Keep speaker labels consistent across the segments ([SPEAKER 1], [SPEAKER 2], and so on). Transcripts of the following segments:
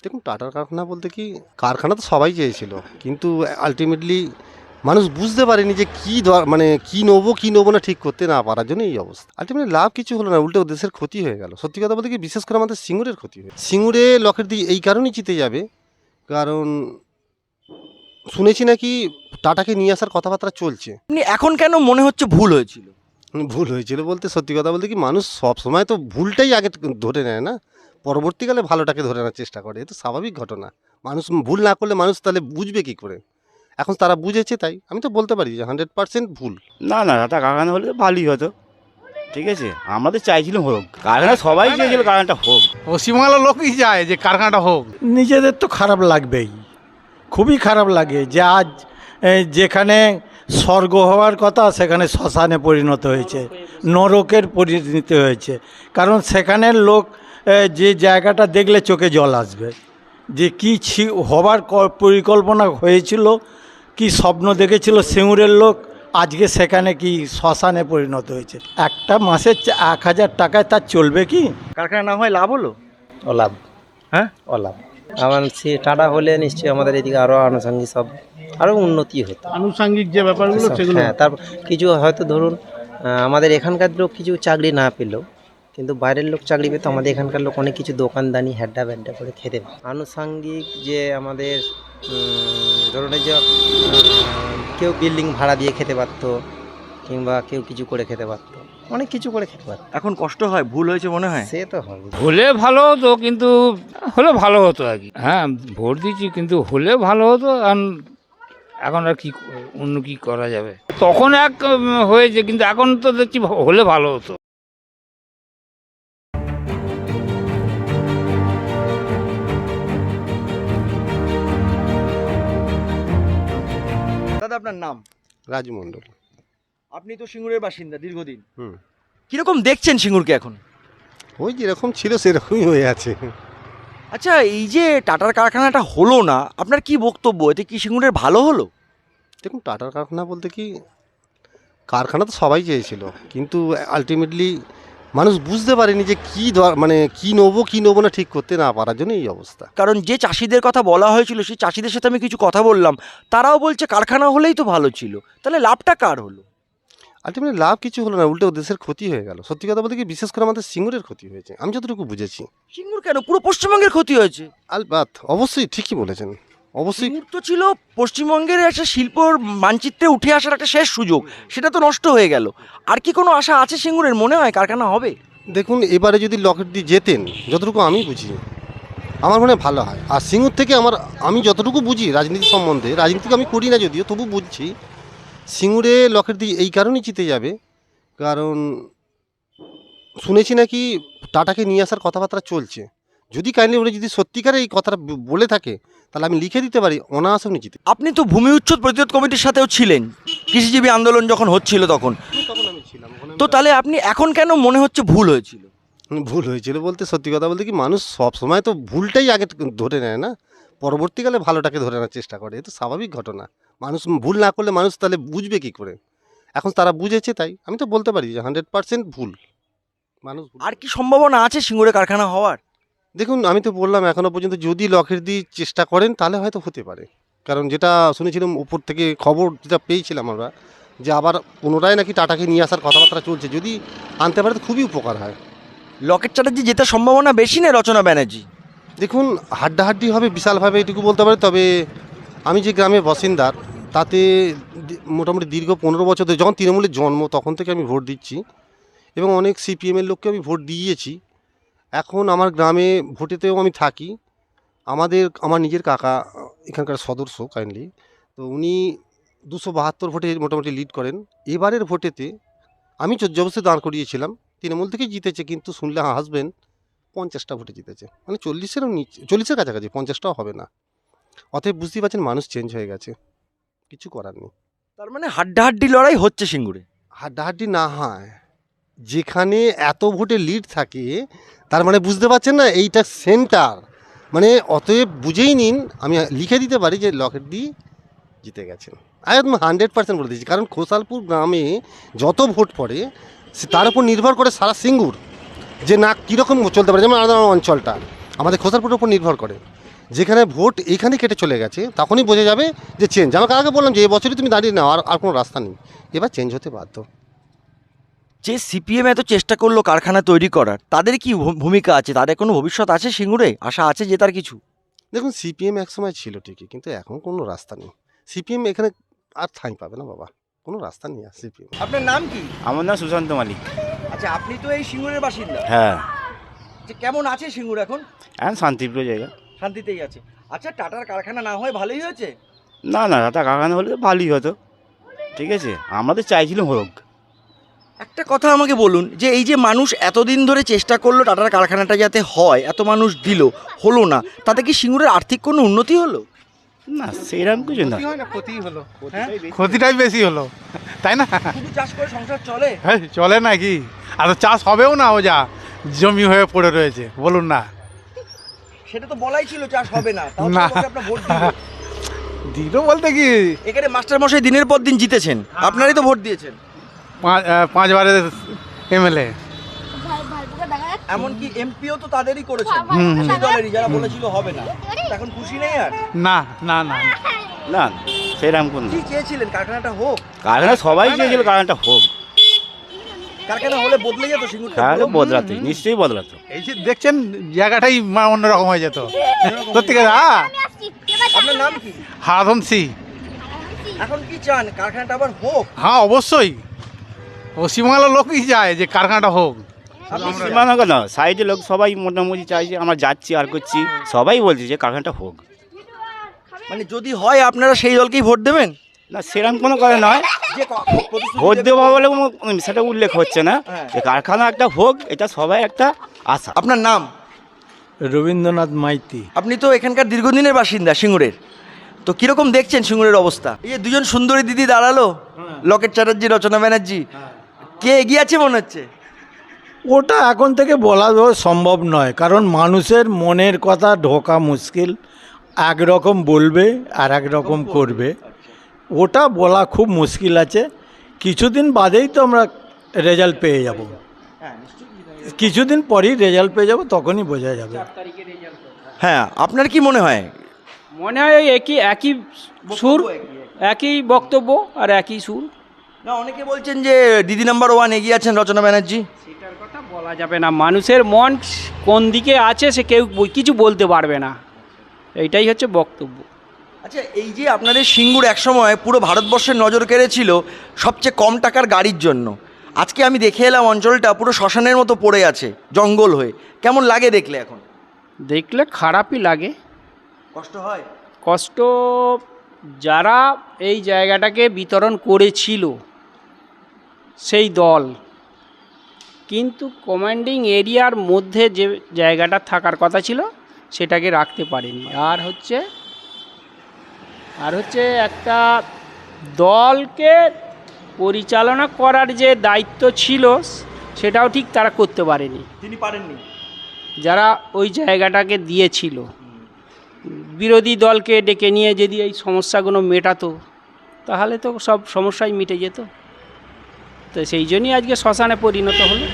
[SPEAKER 1] দেখুন টাটার কারখানা বলতে কি কারখানা তো সবাই চেয়েছিল, কিন্তু আলটিমেটলি মানুষ বুঝতে পারেনি যে মানে কি নেবো না ঠিক করতে না পারার জন্য এই অবস্থা। আলটিমেটলি লাভ কিছু হলো না, উল্টো দেশের ক্ষতি হয়ে গেল। সত্যি কথা বলতে কি বিশেষ করে আমাদের সিঙ্গুরের ক্ষতি হয়ে সিঙ্গুরে লকেট দিয়ে এই কারণেই জিতে যাবে, কারণ শুনেছি নাকি টাটাকে নিয়ে আসার কথাবার্তা চলছে।
[SPEAKER 2] আপনি এখন কেন মনে হচ্ছে ভুল হয়েছিল?
[SPEAKER 1] ভুল হয়েছিল বলতে সত্যি কথা বলতে কি মানুষ সব সময় তো ভুলটাই আগে ধরে নেয় না, পরবর্তীকালে ভালোটাকে ধরে নেওয়ার চেষ্টা করে, এ তো স্বাভাবিক ঘটনা। মানুষ ভুল না করলে মানুষ তাহলে বুঝবে কি করে? এখন তারা বুঝেছে, তাই আমি তো বলতে পারি যে 100% ভুল।
[SPEAKER 3] না না, টাটা কারখানা হলে তো ভালোই হতো। ঠিক আছে, আমাদের চাইছিলাম হোক কারখানা, সবাই চেয়েছিল কারখানাটা হোক।
[SPEAKER 4] পশ্চিমবাংলার লোকই চায় যে কারখানাটা হোক।
[SPEAKER 5] নিজেদের তো খারাপ লাগবেই, খুবই খারাপ লাগে যে আজ যেখানে স্বর্গ হওয়ার কথা সেখানে শ্মশানে পরিণত হয়েছে, নরকের পরিণত হয়েছে। কারণ সেখানের লোক যে জায়গাটা দেখলে চোখে জল আসবে, যে কী হবার পরিকল্পনা হয়েছিল, কি স্বপ্ন দেখেছিল সিঙ্গুরের লোক, আজকে সেখানে কি শ্মশানে পরিণত হয়েছে। একটা মাসে 1000 টাকায় তার চলবে কি?
[SPEAKER 2] কারখানা না হয় লাভ হলো?
[SPEAKER 6] অলাভ।
[SPEAKER 2] হ্যাঁ,
[SPEAKER 6] অলাভ। আমার সে টাটা হলে নিশ্চয়ই আমাদের এদিকে আরও আনুষঙ্গিক সব আরও উন্নতি হতো।
[SPEAKER 4] আনুষঙ্গিক যে ব্যাপারগুলো সেগুলো
[SPEAKER 6] হ্যাঁ, তারপর কিছু হয়তো ধরুন আমাদের এখানকার লোক কিছু চাকরি না পেলেও কিন্তু বাইরের লোক চাকরি পেতো, আমাদের এখানকার লোক অনেক কিছু দোকানদানি হ্যাড্ডা ব্যাড্ডা করে খেতে পেত। আনুষঙ্গিক যে আমাদের ধরুন এই যে কেউ বিল্ডিং ভাড়া দিয়ে খেতে পারতো, কিংবা কেউ কিছু করে খেতে পারতো, অনেক কিছু করে খেতে পারতো।
[SPEAKER 2] এখন কষ্ট হয়, ভুল হয়েছে মনে হয়?
[SPEAKER 6] সে তো হবে।
[SPEAKER 7] হলে ভালো হতো, কিন্তু হলে ভালো হতো আর কি। হ্যাঁ, ভোট দিচ্ছি, কিন্তু হলে ভালো হতো। এখন আর কি অন্য কি করা যাবে? তখন হয়েছে, কিন্তু এখন তো দেখছি হলে ভালো হতো।
[SPEAKER 2] দাদা, আপনার নাম?
[SPEAKER 1] রাজু মণ্ডল।
[SPEAKER 2] আপনি তো সিঙ্গুরের বাসিন্দা দীর্ঘদিন।
[SPEAKER 1] হুম।
[SPEAKER 2] কিরকম দেখছেন সিঙ্গুরকে এখন?
[SPEAKER 1] ওই যেরকম ছিল সেরকমই হয়ে আছে।
[SPEAKER 2] আচ্ছা, এই যে টাটার কারখানাটা হলো না, আপনার কি বক্তব্য? এতে কি সিঙ্গুরের ভালো হলো?
[SPEAKER 1] দেখুন টাটার কারখানা বলতে কি কারখানা তো সবাই চেয়েছিল, কিন্তু আলটিমেটলি মানুষ বুঝতে পারেনি যে মানে কি নেবো না ঠিক করতে না পারার জন্য এই অবস্থা।
[SPEAKER 2] কারণ যে চাষিদের কথা বলা হয়েছিল, সেই চাষিদের সাথে আমি কিছু কথা বললাম, তারাও বলছে কারখানা হলেই তো ভালো ছিল। তাহলে লাভটা কার হলো?
[SPEAKER 1] আলটিমেটলি লাভ কিছু হলো না, উল্টো দেশের ক্ষতি হয়ে গেল। সত্যি কথা বলতে কি বিশেষ করে আমাদের সিঙ্গুরের ক্ষতি হয়েছে, আমি যতটুকু বুঝেছি।
[SPEAKER 2] সিঙ্গুর কেন, পুরো পশ্চিমবঙ্গের ক্ষতি হয়েছে।
[SPEAKER 1] আলবাত অবশ্যই ঠিকই বলেছেন, অবশ্যই।
[SPEAKER 2] সিঙ্গুর তো ছিল পশ্চিমবঙ্গের একটা শিল্পর মানচিত্রে উঠে আসার একটা শেষ সুযোগ, সেটা তো নষ্ট হয়ে গেল। আর কি কোনো আশা আছে সিঙ্গুরের, মনে হয় কারখানা হবে?
[SPEAKER 1] দেখুন এবারে যদি লকেট দিয়ে যেতেন, যতটুকু আমি বুঝি আমার মনে হয় ভালো হয়। আর সিঙ্গুর থেকে আমি যতটুকু বুঝি রাজনীতি সম্বন্ধে, রাজনীতি আমি করি না যদিও, তবু বুঝছি সিঙ্গুরে লকেট দিয়ে এই কারণেই জিতে যাবে, কারণ শুনেছি নাকি টাটাকে নিয়ে আসার কথাবার্তা চলছে। যদি কাইন্ডলি উনি যদি সত্যিকারে এই কথাটা বলে থাকে, তাহলে আমি লিখে দিতে পারি অনায়াসে উনি জিতে।
[SPEAKER 2] আপনি তো ভূমি উচ্ছেদ প্রতিরোধ কমিটির সাথেও ছিলেন, কৃষিজীবী আন্দোলন যখন হচ্ছিল তখন।
[SPEAKER 1] তখন আমি ছিলাম।
[SPEAKER 2] তো তাহলে আপনি এখন কেন মনে হচ্ছে ভুল হয়েছিল?
[SPEAKER 1] ভুল হয়েছিল বলতে সত্যি কথা বলতে কি মানুষ সব সময় তো ভুলটাই আগে ধরে নেয় না, পরবর্তীকালে ভালোটাকে ধরে নেওয়ার চেষ্টা করে, এ তো স্বাভাবিক ঘটনা। মানুষ ভুল না করলে মানুষ তাহলে বুঝবে কি করে? এখন তারা বুঝেছে, তাই আমি তো বলতে পারি যে 100% ভুল। মানুষ
[SPEAKER 2] আর কি সম্ভাবনা আছে সিঙ্গুরে কারখানা হওয়ার?
[SPEAKER 1] দেখুন আমি তো বললাম এখনও পর্যন্ত যদি লকেট দিয়ে চেষ্টা করেন তাহলে হয়তো হতে পারে, কারণ যেটা শুনেছিলাম উপর থেকে খবর যেটা পেয়েছিলাম আমরা, যে আবার পুনরায় নাকি টাটাকে নিয়ে আসার কথাবার্তা চলছে। যদি আনতে পারে তো খুবই উপকার হয়।
[SPEAKER 2] লকেট চ্যাটার্জি জেতার সম্ভাবনা বেশি না রচনা ব্যানার্জি?
[SPEAKER 1] দেখুন হাড্ডাহাড্ডি হবে বিশালভাবে, এটুকু বলতে পারি। তবে আমি যে গ্রামের বাসিন্দার, তাতে মোটামুটি দীর্ঘ 15 বছর ধরে, যখন তৃণমূলের জন্ম তখন থেকে আমি ভোট দিচ্ছি, এবং অনেক সিপিএমের লোককে আমি ভোট দিয়েছি। এখন আমার গ্রামে ভোটেতেও আমি থাকি। আমার নিজের কাকা এখানকার সদস্য কাইন্ডলি, তো উনি 272 ভোটে মোটামুটি লিড করেন। এবারের ভোটেতে আমি জবরদস্তি দাঁড় করিয়েছিলাম, তৃণমূল থেকেই জিতেছে, কিন্তু শুনলে হাসবেন 50টা ভোটে জিতেছে, মানে 40-এরও নিচে, 40-এর কাছাকাছি, 50টাও হবে না। অতএব বুঝতেই পারছেন মানুষ চেঞ্জ হয়ে গেছে, কিছু করার নেই।
[SPEAKER 2] তার মানে হাড্ডাহাড্ডি লড়াই হচ্ছে সিঙ্গুরে?
[SPEAKER 1] হাড্ডাহাড্ডি না হয়, যেখানে এত ভোটে লিড থাকে তার মানে বুঝতে পারছেন না, এইটা সেন্টার। মানে অতএব বুঝেই নিন, আমি লিখে দিতে পারি যে লকেট দিয়ে জিতে গেছেন। একদম 100% বলে দিয়েছি, কারণ খোসালপুর গ্রামে যত ভোট পড়ে তার উপর নির্ভর করে সারা সিঙ্গুর যে না কীরকম চলতে পারে। যেমন আমাদের অঞ্চলটা আমাদের খোসালপুরের উপর নির্ভর করে, যেখানে ভোট এইখানে কেটে চলে গেছে তখনই বোঝা যাবে যে চেঞ্জ। আমাকে আগে বললাম যে এবছরই তুমি দাঁড়িয়ে নাও, আর কোনো রাস্তা নেই, এবার চেঞ্জ হতে বাধ্য।
[SPEAKER 2] যে সিপিএম এত চেষ্টা করলো কারখানা তৈরি করার, তাদের কি ভূমিকা আছে? তাদের কোনো ভবিষ্যৎ আছে সিঙ্গুরে? আশা আছে জেতার কিছু?
[SPEAKER 1] দেখুন সিপিএম একসময় ছিল ঠিকই, কিন্তু এখন কোনো রাস্তা নেই। সিপিএম এখানে আর ঠাঁই পাবে না বাবা, কোনো রাস্তা নেই আর সিপিএম।
[SPEAKER 2] আপনার নাম কি?
[SPEAKER 3] আমার নাম সুশান্ত মালিক।
[SPEAKER 2] আচ্ছা, আপনি তো এই সিঙ্গুরের বাসিন্দা।
[SPEAKER 3] হ্যাঁ,
[SPEAKER 2] যে কেমন আছে সিঙ্গুর এখন?
[SPEAKER 3] এখন শান্তিপ্রিয় জায়গা।
[SPEAKER 2] শান্তিতেই আছে। আচ্ছা, টাটার কারখানা না হয় ভালোই হয়েছে?
[SPEAKER 3] না না, টাটা কারখানা হলে তো ভালোই হতো, ঠিক আছে, আমাদের চাইছিলাম হোক।
[SPEAKER 2] একটা কথা আমাকে বলুন, যে এই যে মানুষ এতদিন ধরে চেষ্টা করলো টাটার কারখানাটা যাতে হয়, এত মানুষ দিল, হলো না, তাতে কি সিঙ্গুরের আর্থিক কোনো উন্নতি হলো?
[SPEAKER 3] না সেরকম কিছু না,
[SPEAKER 4] ক্ষতি হয় না, ক্ষতিই হলো, ক্ষতিটাই বেশি হলো, তাই না?
[SPEAKER 2] শুধু চাষ করে সংসার চলে?
[SPEAKER 4] হ্যাঁ, চলে নাকি? আর তো চাষ হবেও না, ও যা জমি হয়ে পড়ে রয়েছে, বলুন না।
[SPEAKER 2] সেটা তো বলাই ছিল চাষ হবে না, তাও তো
[SPEAKER 4] না।
[SPEAKER 2] আমাকে আপনার ভোট দিল।
[SPEAKER 4] দিল বলতে কি,
[SPEAKER 2] এখানে মাস্টার মশাই দিনের পর দিন জিতেছেন, আপনারই তো ভোট দিয়েছেন।
[SPEAKER 4] 5বারের এমএলএ।
[SPEAKER 2] এমনকি এমপিও তো তাদেরই করেছেন, সেই দলেরই, যারা বলেছিল হবে না। এখন খুশি নেই আর?
[SPEAKER 4] না না না,
[SPEAKER 3] না সেরকম কোনো
[SPEAKER 2] কি চেয়েছিলেন? কারখানাটা হোক?
[SPEAKER 3] কারখানা সবাই চেয়েছিল কারখানাটা হোক,
[SPEAKER 2] কারখানা হলে বদলে যেত সিঙ্গুরটা?
[SPEAKER 3] তাহলে বদলাতো, নিশ্চয়ই বদলাতো।
[SPEAKER 4] এই যে দেখছেন জায়গাটাই অন্যরকম হয়ে যেত সত্যিকার। হ্যাঁ,
[SPEAKER 2] আপনার নাম কি?
[SPEAKER 4] হারাধন সি।
[SPEAKER 2] এখন কি চান, কারখানাটা আবার হোক?
[SPEAKER 4] হ্যাঁ অবশ্যই, পশ্চিমবাংলার লোকই চায় যে কারখানাটা হোক।
[SPEAKER 3] সীমানা কেন, সাইডের লোক সবাই মোটামুটি চাইছে, আমরা যাচ্ছি আর করছি, সবাই বলছে যে কারখানাটা হোক।
[SPEAKER 2] মানে যদি হয় আপনারা সেই দলকেই ভোট দেবেন?
[SPEAKER 3] না সেরকম কোনো কথা নয়,
[SPEAKER 2] যে প্রতিশ্রুতি
[SPEAKER 3] ভোট
[SPEAKER 2] দেবে-
[SPEAKER 3] দেবো বলে সেটা উল্লেখ হচ্ছে না,
[SPEAKER 2] হ্যাঁ।
[SPEAKER 3] যে কারখানা একটা হোক, এটা সবাই একটা আশা।
[SPEAKER 2] আপনার নাম?
[SPEAKER 5] রবীন্দ্রনাথ মাইতি।
[SPEAKER 2] আপনি তো এখানকার দীর্ঘদিনের বাসিন্দা সিঙ্গুরের, তো কিরকম দেখছেন সিঙ্গুরের অবস্থা? এই যে দুজন সুন্দরী দিদি দাঁড়ালো, লকেট চ্যাটার্জি, রচনা ব্যানার্জি, কে এগিয়ে আছে মনে হচ্ছে?
[SPEAKER 5] ওটা এখন থেকে বলা সম্ভব নয়, কারণ মানুষের মনের কথা ঢোকা মুশকিল। একরকম বলবে আর একরকম করবে, ওটা বলা খুব মুশকিল আছে। কিছুদিন বাদেই তো আমরা রেজাল্ট পেয়ে যাব, কিছুদিন পরেই রেজাল্ট পেয়ে যাব, তখনই বোঝা যাবে।
[SPEAKER 2] হ্যাঁ, আপনার কি মনে হয়?
[SPEAKER 8] মনে হয় ওই একই সুর, একই বক্তব্য আর একই সুর।
[SPEAKER 2] না, অনেকে বলছেন যে দিদি নাম্বার 1 এগিয়ে আছেন রচনা ব্যানার্জি।
[SPEAKER 8] সেটার কথা বলা যাবে না, মানুষের মন কোন দিকে আছে সে কেউ কিছু বলতে পারবে না, এইটাই হচ্ছে বক্তব্য।
[SPEAKER 2] আচ্ছা, এই যে আপনাদের সিঙ্গুর একসময় পুরো ভারতবর্ষের নজর কেড়েছিল সবচেয়ে কম টাকার গাড়ির জন্য, আজকে আমি দেখে এলাম অঞ্চলটা পুরো শ্মশানের মতো পড়ে আছে জঙ্গল হয়ে, কেমন লাগে দেখলে? এখন
[SPEAKER 8] দেখলে খারাপই লাগে,
[SPEAKER 2] কষ্ট হয়?
[SPEAKER 8] কষ্ট যারা এই জায়গাটাকে বিতরণ করেছিল সেই দল, কিন্তু কমান্ডিং এরিয়ার মধ্যে যে জায়গাটা থাকার কথা ছিল সেটাকে রাখতে পারেনি। আর হচ্ছে একটা দলকে পরিচালনা করার যে দায়িত্ব ছিল সেটাও ঠিক তারা করতে পারেনি,
[SPEAKER 2] তিনি পারেননি।
[SPEAKER 8] যারা ওই জায়গাটাকে দিয়েছিল। বিরোধী দলকে ডেকে নিয়ে যদি এই সমস্যাগুলো মেটাতো তাহলে তো সব সমস্যাই মিটে যেত। তো সেই জন্যই আজকে শ্মশানে পরিণত হলো।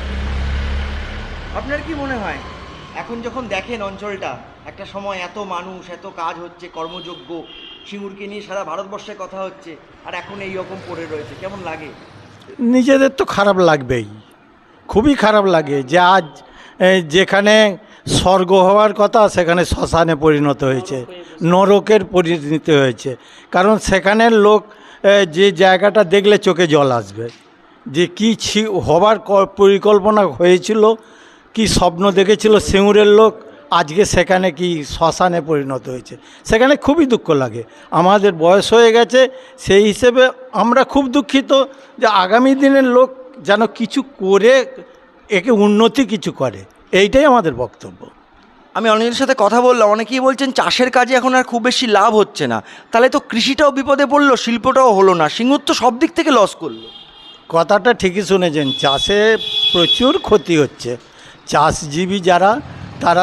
[SPEAKER 2] আপনার কি মনে হয়, এখন যখন দেখেন অঞ্চলটা, একটা সময় এত মানুষ, এত কাজ হচ্ছে, কর্মযোগ্য, সিঙ্গুরকে নিয়ে সারা ভারতবর্ষে কথা হচ্ছে, আর এখন এই রকম পড়ে রয়েছে, কেমন লাগে?
[SPEAKER 5] নিজেদের তো খারাপ লাগবেই, খুবই খারাপ লাগে যে আজ যেখানে স্বর্গ হওয়ার কথা সেখানে শ্মশানে পরিণত হয়েছে, নরকের পরিণত হয়েছে। কারণ সেখানের লোক যে জায়গাটা দেখলে চোখে জল আসবে, যে কী হবার পরিকল্পনা হয়েছিল, কি স্বপ্ন দেখেছিল সিঙ্গুরের লোক, আজকে সেখানে কি শ্মশানে পরিণত হয়েছে। সেখানে খুবই দুঃখ লাগে। আমাদের বয়স হয়ে গেছে, সেই হিসেবে আমরা খুব দুঃখিত যে আগামী দিনের লোক যেন কিছু করে একে উন্নতি কিছু করে, এইটাই আমাদের বক্তব্য।
[SPEAKER 2] আমি অনেকের সাথে কথা বললাম, অনেকেই বলছেন চাষের কাজে এখন আর খুব বেশি লাভ হচ্ছে না, তাহলে তো কৃষিটাও বিপদে পড়লো, শিল্পটাও হলো না, সিঙ্গুর তো সব দিক থেকে লস করলো।
[SPEAKER 5] কথাটা ঠিকই শুনেছেন, চাষে প্রচুর ক্ষতি হচ্ছে। চাষজীবী যারা, তারা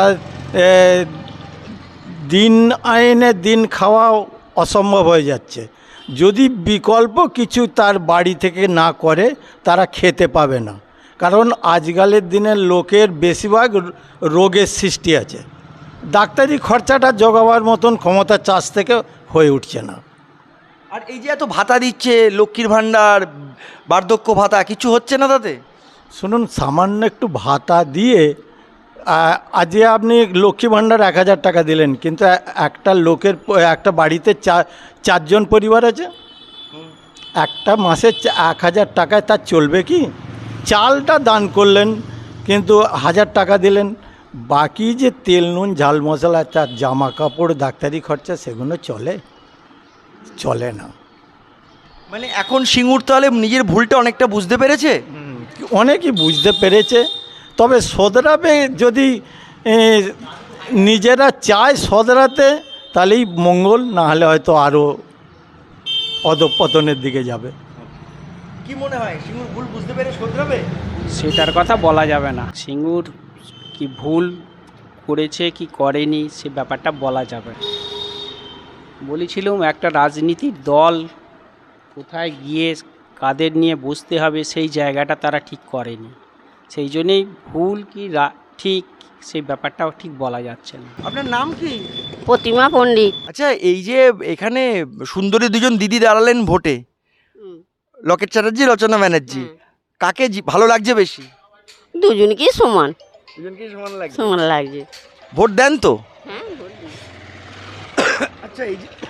[SPEAKER 5] দিন আইনে দিন খাওয়া অসম্ভব হয়ে যাচ্ছে। যদি বিকল্প কিছু তার বাড়ি থেকে না করে তারা খেতে পাবে না। কারণ আজকালের দিনের লোকের বেশিরভাগ রোগের সৃষ্টি আছে, ডাক্তারি খরচাটা জোগাবার মতন ক্ষমতা চাষ থেকে হয়ে উঠছে না।
[SPEAKER 2] আর এই যে এত ভাতা দিচ্ছে, লক্ষ্মীর ভাণ্ডার, বার্ধক্য ভাতা, কিছু হচ্ছে না তাতে?
[SPEAKER 5] শুনুন, সামান্য একটু ভাতা দিয়ে আজকে আপনি লক্ষ্মী ভাণ্ডার 1000 টাকা দিলেন, কিন্তু একটা লোকের একটা বাড়িতে চারজন পরিবার আছে, একটা মাসে 1000 টাকায় তার চলবে কি? চালটা দান করলেন কিন্তু 1000 টাকা দিলেন, বাকি যে তেল নুন ঝাল মশলা, তার জামা কাপড়, ডাক্তারি খরচা, সেগুলো চলে না।
[SPEAKER 2] মানে এখন সিঙ্গুর তাহলে নিজের ভুলটা অনেকটা বুঝতে পেরেছে।
[SPEAKER 5] অনেকই বুঝতে পেরেছে, তবে শোধরাবে যদি নিজেরা চায় শোধরাতে, তাহলেই মঙ্গল, না হলে হয়তো আরও অধঃপতনের দিকে যাবে।
[SPEAKER 2] কি মনে হয়, সিঙ্গুর ভুল বুঝতে পেরে শোধরাবে?
[SPEAKER 8] সেটার কথা বলা যাবে না। সিঙ্গুর কি ভুল করেছে কি করেনি সে ব্যাপারটা বলা যাবে না। বলেছিলাম একটা রাজনীতির দল কোথায় গিয়ে কাদের নিয়ে বসতে হবে সেই জায়গাটা তারা ঠিক করেনি, সেই জন্যেই ভুল কি ঠিক সেই ব্যাপারটাও ঠিক বলা যাচ্ছে না।
[SPEAKER 2] আপনার নাম কি?
[SPEAKER 9] প্রতিমা পণ্ডিত।
[SPEAKER 2] আচ্ছা, এই যে এখানে সুন্দরী দুজন দিদি দাঁড়ালেন ভোটে, লকেট চ্যাটার্জি, রচনা ব্যানার্জি, কাকে ভালো লাগছে বেশি?
[SPEAKER 9] দুজনকেই সমান
[SPEAKER 2] দুজনকেই সমান লাগছে।
[SPEAKER 9] সমান লাগছে।
[SPEAKER 2] ভোট দেন তো?
[SPEAKER 9] হ্যাঁ,
[SPEAKER 2] আচ্ছা,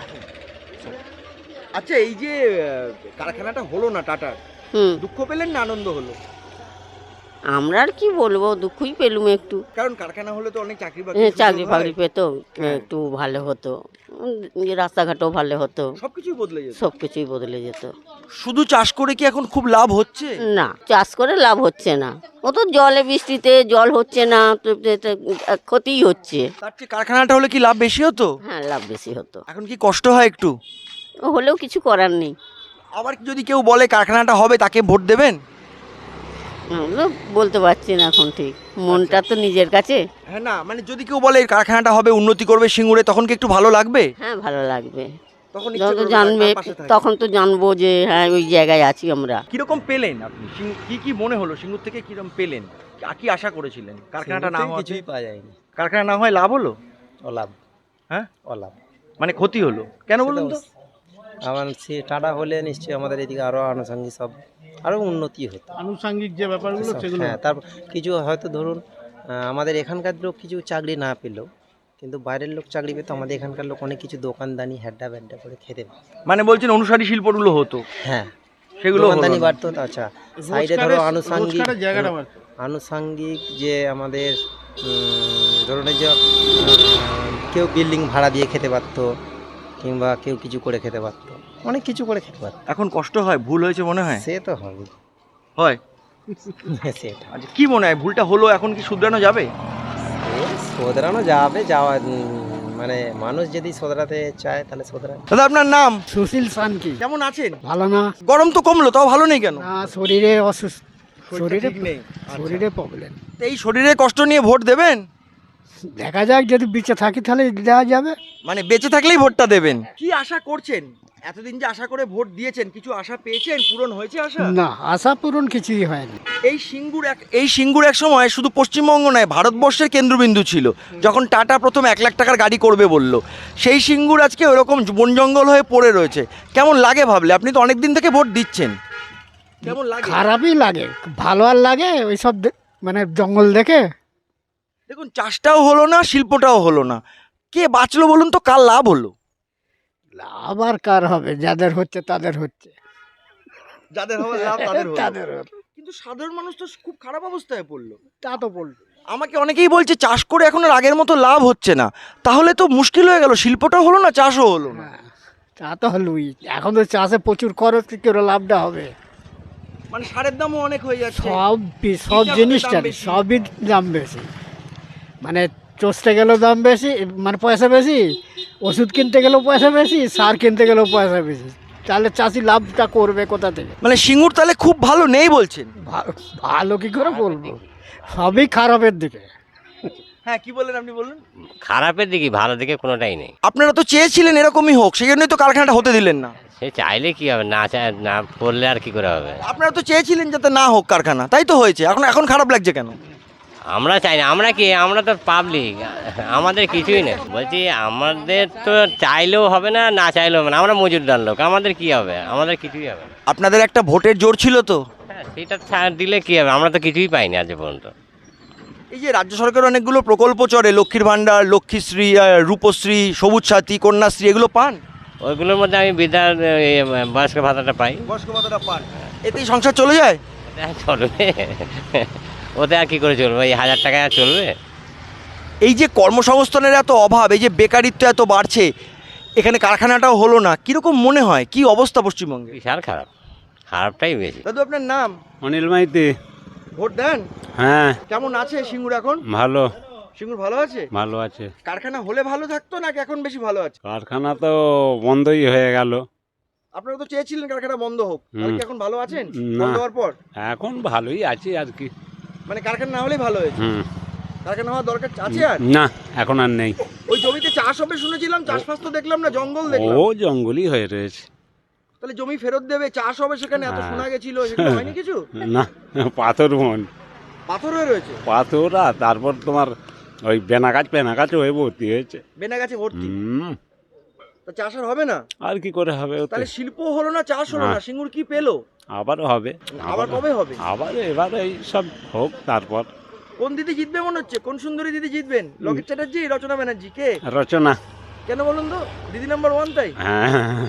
[SPEAKER 2] এই যে কারখানাটা হলো না টাটার, দুঃখ পেলেন না আনন্দ হলো?
[SPEAKER 9] আমরা আর কি বলবো, দুঃখই পেলুম একটু,
[SPEAKER 2] কারণ কারখানা হলে তো অনেক চাকরি
[SPEAKER 9] চাকরি পেতো, একটু ভালো হতো, রাস্তাঘাটও ভালো হতো, সবকিছুই বদলে যেত।
[SPEAKER 2] শুধু চাষ করে কি এখন খুব লাভ হচ্ছে?
[SPEAKER 9] না, চাষ করে লাভ হচ্ছে না, ও তো জলে বৃষ্টিতে জল হচ্ছে না, তো ক্ষতিই হচ্ছে।
[SPEAKER 2] তার চেয়ে কারখানাটা হলে কি লাভ বেশি হতো?
[SPEAKER 9] হ্যাঁ, লাভ বেশি হতো।
[SPEAKER 2] এখন কি কষ্ট হয় একটু?
[SPEAKER 9] হলেও কিছু করার নেই।
[SPEAKER 2] আবার যদি কেউ বলে কারখানাটা হবে, তাকে ভোট দেবেন?
[SPEAKER 9] বলতে পারছি না এখন ঠিক, মনটা তো নিজের কাছে।
[SPEAKER 2] হ্যাঁ, না মানে যদি কেউ বলে কারখানাটা হবে, উন্নতি করবে সিঙ্গুরে, তখন কি একটু ভালো লাগবে?
[SPEAKER 9] হ্যাঁ, ভালো লাগবে।
[SPEAKER 2] তখন
[SPEAKER 9] জানবে, তখন তো জানবো যে হ্যাঁ ওই জায়গায় আছি আমরা।
[SPEAKER 2] কিরকম পেলেন আপনি? কি মনে হলো সিঙ্গুর থেকে, কিরকম পেলেন? কি আশা করেছিলেন? কারখানাটা না হওয়া,
[SPEAKER 6] কিছুই পাওয়া যায়নি।
[SPEAKER 2] কারখানা না হয় লাভ হলো?
[SPEAKER 6] অলাভ।
[SPEAKER 2] হ্যাঁ,
[SPEAKER 6] অলাভ
[SPEAKER 2] মানে ক্ষতি হলো কেন বলুন তো?
[SPEAKER 6] আমার সে টাটা হলে নিশ্চয়ই আমাদের এদিকে আরও আনুষঙ্গিক সব আরও উন্নতি হতো,
[SPEAKER 4] আনুষঙ্গিক যে ব্যাপারগুলো সেগুলো।
[SPEAKER 6] হ্যাঁ, তারপর কিছু হয়তো ধরুন আমাদের এখানকার লোক কিছু চাকরি না পেলেও, কিন্তু বাইরের লোক চাকরি পেতো, আমাদের এখানকার লোক অনেক কিছু দোকানদানি হ্যাড্ডা ব্যাড্ডা করে খেতে পেত।
[SPEAKER 2] মানে বলছেন অনুসারী শিল্পগুলো হতো?
[SPEAKER 6] হ্যাঁ,
[SPEAKER 2] সেগুলো
[SPEAKER 6] দোকানদানি বাড়তো। আচ্ছা, সাইডে ধরো আনুষঙ্গিক যে আমাদের ধরুন এই যে কেউ বিল্ডিং ভাড়া দিয়ে খেতে পারতো, কিংবা কেউ কিছু করে খেতে পারতো, অনেক কিছু করে খেতে পারতো।
[SPEAKER 2] এখন কষ্ট হয়, ভুল হয়েছে মনে হয়?
[SPEAKER 6] সে তো হবে,
[SPEAKER 2] হয়
[SPEAKER 6] সেটা।
[SPEAKER 2] আচ্ছা, কি মনে হয় ভুলটা হলো, এখন কি শুধরানো যাবে?
[SPEAKER 6] শোধরানো যাবে, মানে মানুষ যদি শোধরাতে চায় তাহলে শোধরায়।
[SPEAKER 2] দাদা, আপনার নাম?
[SPEAKER 10] সুশীল সানকি।
[SPEAKER 2] কেমন আছেন?
[SPEAKER 10] ভালো না।
[SPEAKER 2] গরম তো কমলো, তাও ভালো নেই কেন?
[SPEAKER 10] না, শরীরে অসুস্থ, শরীরে
[SPEAKER 2] নেই,
[SPEAKER 10] শরীরে প্রবলেম।
[SPEAKER 2] এই শরীরে কষ্ট নিয়ে ভোট দেবেন?
[SPEAKER 10] দেখা যাক, যদি বেঁচে থাকি তাহলে দেওয়া যাবে।
[SPEAKER 2] মানে বেঁচে থাকলেই ভোটটা দেবেন? কি আশা করছেন? এতদিন যে আশা করে ভোট দিয়েছেন, কিছু আশা পেয়েছেন? পূরণ হয়েছে আশা?
[SPEAKER 10] না, আশা পূরণ কিছুই হয়নি।
[SPEAKER 2] এই সিঙ্গুর এক সময় শুধু পশ্চিমবঙ্গ নয়, ভারতবর্ষের কেন্দ্রবিন্দু ছিল। যখন টাটা প্রথম 1 লাখ টাকার গাড়ি করবে বলল, সেই সিঙ্গুর আজকে ওরকম বন জঙ্গল হয়ে পড়ে রয়েছে। কেমন লাগে ভাবলে? আপনি তো অনেক দিন থেকে ভোট দিচ্ছেন, কেমন লাগে?
[SPEAKER 10] খারাপই লাগে, ভালো আর লাগে ওইসব মানে জঙ্গল দেখে।
[SPEAKER 2] দেখুন, চাষটাও হলো না, শিল্পটাও হলো না, কে বাঁচলো বলুন তো? কার লাভ হলো?
[SPEAKER 10] লাভ আর কার হবে? যাদের হচ্ছে তাদের হচ্ছে,
[SPEAKER 2] যাদের হবে লাভ তাদের হলো।
[SPEAKER 10] তাদের হলো।
[SPEAKER 2] কিন্তু সাধারণ মানুষ তো খুব খারাপ অবস্থায় পড়লো।
[SPEAKER 10] তা তো বলবো।
[SPEAKER 2] আমাকে অনেকেই বলছে চাষ করে এখন আর আগের মতো লাভ হচ্ছে না, তাহলে তো মুশকিল হয়ে গেল, শিল্পটাও হলো না, চাষও হলো না।
[SPEAKER 10] হ্যাঁ, তা তো হলোই। এখন তো চাষে প্রচুর খরচ, কি করে লাভটা হবে?
[SPEAKER 2] মানে সারের দামও অনেক হয়ে যাচ্ছে,
[SPEAKER 10] সব জিনিসটা সবই দাম বেশি। মানে চষতে গেলেও দাম বেশি, মানে পয়সা বেশি, ওষুধ কিনতে গেলেও পয়সা বেশি, সার কিনতে গেলেও পয়সা বেশি। তাহলে চাষি লাভটা করবে কোথা থেকে?
[SPEAKER 2] মানে সিঙ্গুর তাহলে খুব ভালো নেই বলছেন?
[SPEAKER 10] ভালো কি করে বলবো, সবই খারাপের দিকে।
[SPEAKER 2] হ্যাঁ, কি বললেন আপনি? বললেন
[SPEAKER 11] খারাপের দিকে, ভালো দিকে কোনোটাই নেই।
[SPEAKER 2] আপনারা তো চেয়েছিলেন এরকমই হোক, সেই জন্যই তো কারখানাটা হতে দিলেন না।
[SPEAKER 11] সে চাইলে কি হবে, না চাই না করলে আর কি করে হবে?
[SPEAKER 2] আপনারা তো চেয়েছিলেন যাতে না হোক কারখানা, তাই তো হয়েছে। এখন খারাপ লাগছে কেন?
[SPEAKER 11] আমরা চাই না, আমরা কি, আমরা তো পাবলিক, আমাদের কিছুই নেই। বলছি আমাদের তো চাইলেও হবে না, না চাইলেও হবে না, আমরা মজুরদার লোক, আমাদের কি হবে, আমাদের কিছুই হবে না।
[SPEAKER 2] আপনাদের একটা ভোটের জোর ছিল তো?
[SPEAKER 11] হ্যাঁ, সেটা ছাড় দিলে কি হবে, আমরা তো কিছুই পাইনি আজ পর্যন্ত।
[SPEAKER 2] এই যে রাজ্য সরকারের অনেকগুলো প্রকল্প চলে, লক্ষ্মীর ভাণ্ডার, লক্ষ্মীশ্রী, রূপশ্রী, সবুজ সাথী, কন্যাশ্রী, এগুলো পান?
[SPEAKER 11] ওইগুলোর মধ্যে আমি বৃদ্ধার বয়স্ক ভাতাটা পাই।
[SPEAKER 2] বয়স্ক ভাতাটা পান, এতেই সংসার চলে যায়?
[SPEAKER 11] ওতে আর চলবে, ওতে আর কি করে চলবে, এই 1000 টাকায় আর চলবে?
[SPEAKER 2] এই যে কর্মসংস্থানের এত অভাব, এই যে বেকারিত্ব এত বাড়ছে, এখানে কারখানাটাও হলো না, কীরকম মনে হয়, কি অবস্থা পশ্চিমবঙ্গে?
[SPEAKER 11] বিশাল খারাপ, খারাপটাই বেশি।
[SPEAKER 2] দাদু আপনার নাম?
[SPEAKER 3] অনিল মাইতি।
[SPEAKER 2] ভোট দেন?
[SPEAKER 3] হ্যাঁ।
[SPEAKER 2] কেমন আছে সিঙ্গুর এখন?
[SPEAKER 3] ভালো।
[SPEAKER 2] সিঙ্গুর ভালো আছে?
[SPEAKER 3] ভালো আছে।
[SPEAKER 2] কারখানা হলে ভালো থাকতো নাকি এখন বেশি ভালো আছে?
[SPEAKER 3] কারখানা তো বন্ধই হয়ে গেল।
[SPEAKER 2] আপনারা তো চেয়েছিলেন কারখানা বন্ধ হোক, তাহলে কি এখন ভালো আছেন
[SPEAKER 3] না।
[SPEAKER 2] বন্ধ হওয়ার পর?
[SPEAKER 3] এখন ভালোই আছি আর কি।
[SPEAKER 2] মানে কারখানা না হলেই ভালো হয়েছে? কারখানা হওয়ার দরকার আছে আর?
[SPEAKER 3] না, এখন আর নেই।
[SPEAKER 2] ওই জমিতে চাষ হবে শুনেছিলাম, চাষবাস তো দেখলাম না, জঙ্গল দেখলাম।
[SPEAKER 3] ও জঙ্গলই হয়ে রয়েছে।
[SPEAKER 2] তাহলে জমি ফেরত দেবে, চাষ হবে সেখানে, এত শোনা গেছিল, সেখানে হয়নি কিছু?
[SPEAKER 3] না, পাথর বন,
[SPEAKER 2] পাথর হয়ে রয়েছে?
[SPEAKER 3] পাথর, আর তারপর তোমার ওই বেনাগাছ হয়ে ভর্তি হয়েছে।
[SPEAKER 2] বেনাগাছে ভর্তি? তা চাষ আর হবে না?
[SPEAKER 3] আর কি করে হবে?
[SPEAKER 2] তাহলে শিল্প হলো না, চাষ হলো না, সিঙ্গুর কি পেলো?
[SPEAKER 3] আবার হবে।
[SPEAKER 2] আবার কবে হবে?
[SPEAKER 3] আবার এবার এই সব হোক তারপর।
[SPEAKER 2] কোন দিদি জিতবে মনে হচ্ছে? কোন সুন্দরী দিদি জিতবেন? লকেট চ্যাটার্জি, রচনা ব্যানার্জি, কে?
[SPEAKER 3] রচনা।
[SPEAKER 2] কেন বলুন তো? দিদি নাম্বার 1 তাই?
[SPEAKER 3] হ্যাঁ।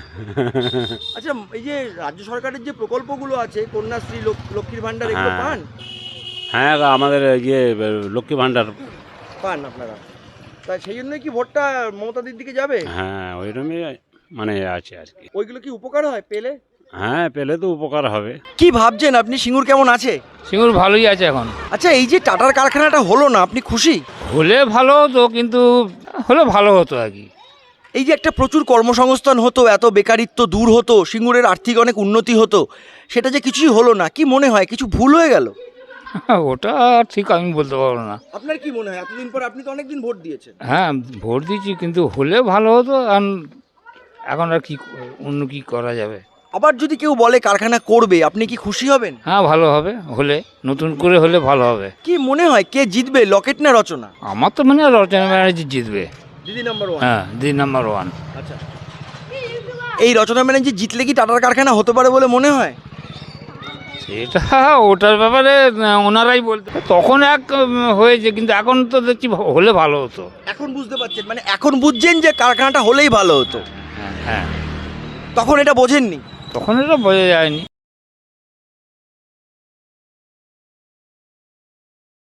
[SPEAKER 2] আচ্ছা, এই যে রাজ্য সরকারের যে প্রকল্পগুলো আছে, কন্যাশ্রী, লক্ষ্মীর ভাণ্ডার, এগুলো পান?
[SPEAKER 3] হ্যাঁ, আমাদের ইয়ে লক্ষ্মী ভাণ্ডার
[SPEAKER 2] পান আপনারা? তাই সেই জন্যই কি ভোটটা মমতা দিদির দিকে যাবে?
[SPEAKER 3] হ্যাঁ, ওইরকমই মানে আছে আর কি।
[SPEAKER 2] ওইগুলো কি উপকার হয় পেলে?
[SPEAKER 3] হ্যাঁ, পেলে তো উপকার হবে।
[SPEAKER 2] কি ভাবছেন আপনি, সিঙ্গুর কেমন আছে?
[SPEAKER 7] সিঙ্গুর ভালোই আছে এখন।
[SPEAKER 2] আচ্ছা, এই যে টাটার কারখানাটা হলো না, আপনি খুশি?
[SPEAKER 7] হলে ভালো হতো, কিন্তু হলে ভালো হতো আর কি।
[SPEAKER 2] এই যে একটা প্রচুর কর্মসংস্থান হতো, এত বেকারিত্ব দূর হতো, সিঙ্গুরের আর্থিক অনেক উন্নতি হতো, সেটা যে কিছুই হলো না, কি মনে হয় কিছু ভুল হয়ে গেল?
[SPEAKER 7] ওটা ঠিক আমি বলতে পারবো না।
[SPEAKER 2] আপনার কি মনে হয়, এতদিন পর আপনি তো অনেকদিন ভোট দিয়েছেন?
[SPEAKER 7] হ্যাঁ, ভোট দিয়েছি, কিন্তু হলে ভালো হতো। আর এখন আর কি, অন্য কি করা যাবে।
[SPEAKER 2] আবার যদি কেউ বলে কারখানা করবে, আপনি কি খুশি হবেন?
[SPEAKER 7] হ্যাঁ, ভালো হবে, হলে নতুন করে হলে ভালো হবে।
[SPEAKER 2] কি মনে হয় কে জিতবে, লকেট না রচনা?
[SPEAKER 7] আমার তো মানে রচনা ব্যানার্জি জিতবে।
[SPEAKER 2] দিদি নাম্বার 1?
[SPEAKER 7] হ্যাঁ, দিদি নাম্বার 1।
[SPEAKER 2] আচ্ছা, এই রচনা ব্যানার্জি জিতলে কি টাটার কারখানা হতে পারে বলে মনে হয়?
[SPEAKER 7] সেটা ওটার ব্যাপারে ওনারাই বলতে, তখন এক হয়েছে, কিন্তু এখন তো দেখছি হলে ভালো হতো।
[SPEAKER 2] এখন বুঝতে পারছেন, মানে এখন বুঝছেন যে কারখানাটা হলেই ভালো হতো?
[SPEAKER 7] হ্যাঁ,
[SPEAKER 2] তখন এটা বোঝেননি?
[SPEAKER 7] তখন এটা বোঝা যায়নি।